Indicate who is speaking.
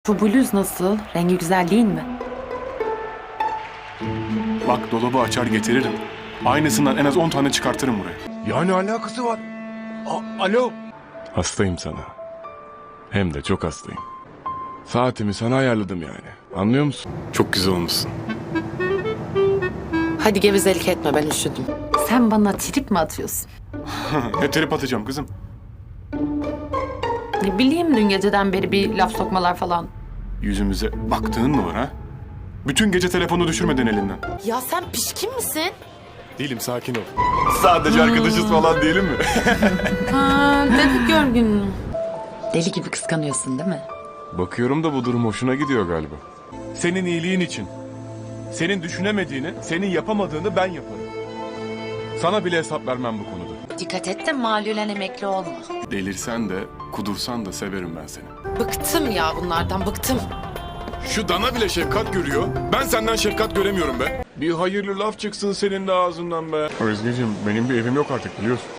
Speaker 1: Şu bluz nasıl? Rengi güzel değil mi?
Speaker 2: Bak dolabı açar getiririm. Aynısından en az 10 tane çıkartırım buraya.
Speaker 3: Ya ne alakası var? Alo.
Speaker 2: Hastayım sana. Hem de çok hastayım. Saatimi sana ayarladım yani. Anlıyor musun? Çok güzel olmuşsun.
Speaker 1: Hadi gevezelik etme, ben üşüdüm. Sen bana trip mi atıyorsun?
Speaker 2: Ne trip atacağım kızım?
Speaker 1: Ne bileyim, dün geceden beri bir laf sokmalar falan.
Speaker 2: Yüzümüze baktığın mı var ha? Bütün gece telefonu düşürmeden elinden.
Speaker 1: Ya sen pişkin misin?
Speaker 2: Değilim, sakin ol. Sadece arkadaşız falan diyelim mi?
Speaker 1: Ha, dedik görgün. Deli gibi kıskanıyorsun değil mi?
Speaker 2: Bakıyorum da bu durum hoşuna gidiyor galiba. Senin iyiliğin için. Senin düşünemediğini, senin yapamadığını ben yaparım. Sana bile hesap vermem bu konuda.
Speaker 1: Dikkat et de malülen emekli olma.
Speaker 2: Delirsen de, kudursan da severim ben seni.
Speaker 1: Bıktım ya bunlardan, bıktım.
Speaker 2: Şu dana bile şefkat görüyor. Ben senden şefkat göremiyorum be. Bir hayırlı laf çıksın senin de ağzından be. Özgeciğim, benim bir evim yok artık biliyorsun.